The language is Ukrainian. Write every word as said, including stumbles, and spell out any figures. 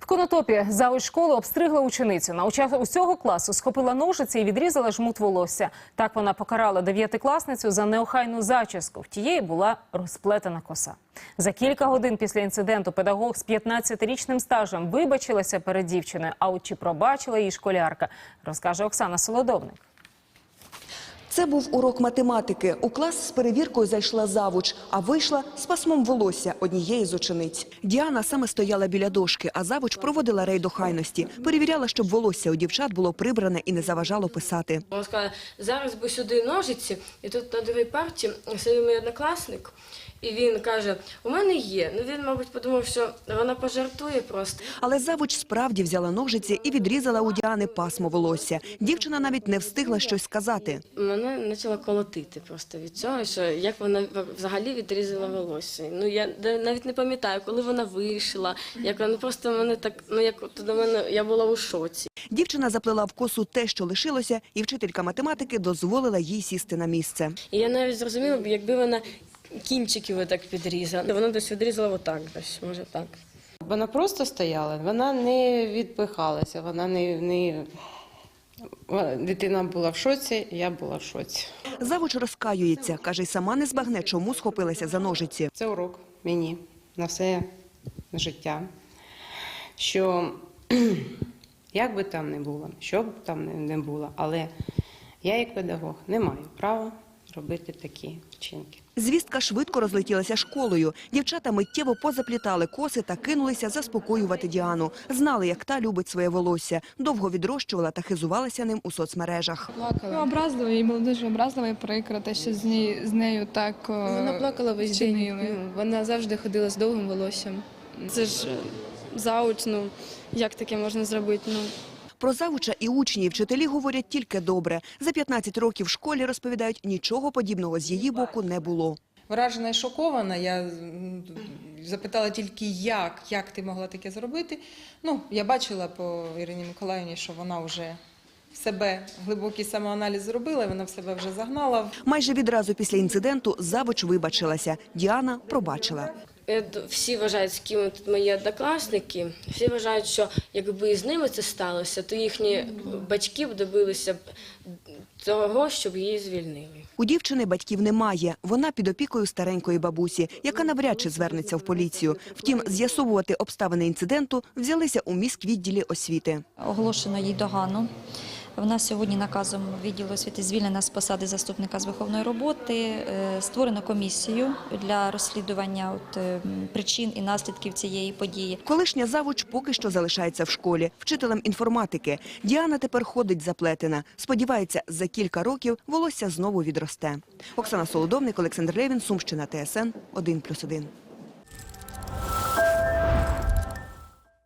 В Конотопі завуч школи обстригла ученицю. На учасницю усього класу схопила ножиці і відрізала жмут волосся. Так вона покарала дев'ятикласницю за неохайну зачіску. В тієї була розплетена коса. За кілька годин після інциденту педагог з п'ятнадцятирічним стажем вибачилася перед дівчиною. А от чи пробачила її школярка, розкаже Оксана Солодовник. Це був урок математики. У клас з перевіркою зайшла завуч, а вийшла з пасмом волосся однієї з учениць. Діана саме стояла біля дошки, а завуч проводила рейд охайності. Перевіряла, щоб волосся у дівчат було прибране і не заважало писати. Вона сказала, зараз би сюди ножиці, і тут на другій парті сидів мій однокласник. І він каже, у мене є. Ну він, мабуть, подумав, що вона пожартує просто. Але завуч справді взяла ножиці і відрізала у Діани пасмо волосся. Дівчина навіть не встигла щось сказати. Мене почало колотити просто від цього, що як вона взагалі відрізала волосся. Ну я навіть не пам'ятаю, коли вона вийшла, як вона просто мене так, ну як до мене, я була у шоці. Дівчина заплела в косу те, що лишилося, і вчителька математики дозволила їй сісти на місце. І я навіть зрозуміла, якби вона кінчиків отак підрізала. Вона десь відрізала отак, десь, може так. Вона просто стояла, вона не відпихалася, вона не, не... Дитина була в шоці, я була в шоці. Завуч розкаюється, каже, й сама не збагне, чому схопилася за ножиці. Це урок мені на все життя, що як би там не було, що б там не було, але я як педагог не маю права робити такі вчинки. Звістка швидко розлетілася школою. Дівчата миттєво позаплітали коси та кинулися заспокоювати Діану. Знали, як та любить своє волосся. Довго відрощувала та хизувалася ним у соцмережах. Ну, образливо, їй було дуже образливо і прикро, те, що з, нею, з нею так Вона плакала весь день, вона завжди ходила з довгим волоссям. Це ж зауч, ну, як таке можна зробити, ну. Про завуча і учні, і вчителі говорять тільки добре. За п'ятнадцять років в школі, розповідають, нічого подібного з її боку не було. Вражена і шокована, я запитала тільки, як, як ти могла таке зробити. Ну, я бачила по Ірині Миколаївні, що вона вже в себе глибокий самоаналіз зробила, вона в себе вже загнала. Майже відразу після інциденту завуч вибачилася. Діана пробачила. Всі вважають, з ким тут мої однокласники, всі вважають, що якби з ними це сталося, то їхні батьки б добилися того, щоб її звільнили. У дівчини батьків немає. Вона під опікою старенької бабусі, яка навряд чи звернеться в поліцію. Втім, з'ясовувати обставини інциденту взялися у міськвідділі освіти. Оголошено їй догану. Вона сьогодні наказом відділу освіти звільнена з посади заступника з виховної роботи. Створено комісію для розслідування от, причин і наслідків цієї події. Колишня завуч поки що залишається в школі, вчителем інформатики. Діана тепер ходить заплетена. Сподівається, за кілька років волосся знову відросте. Оксана Солодовник, Олександр Левін, Сумщина, Т С Н один плюс один.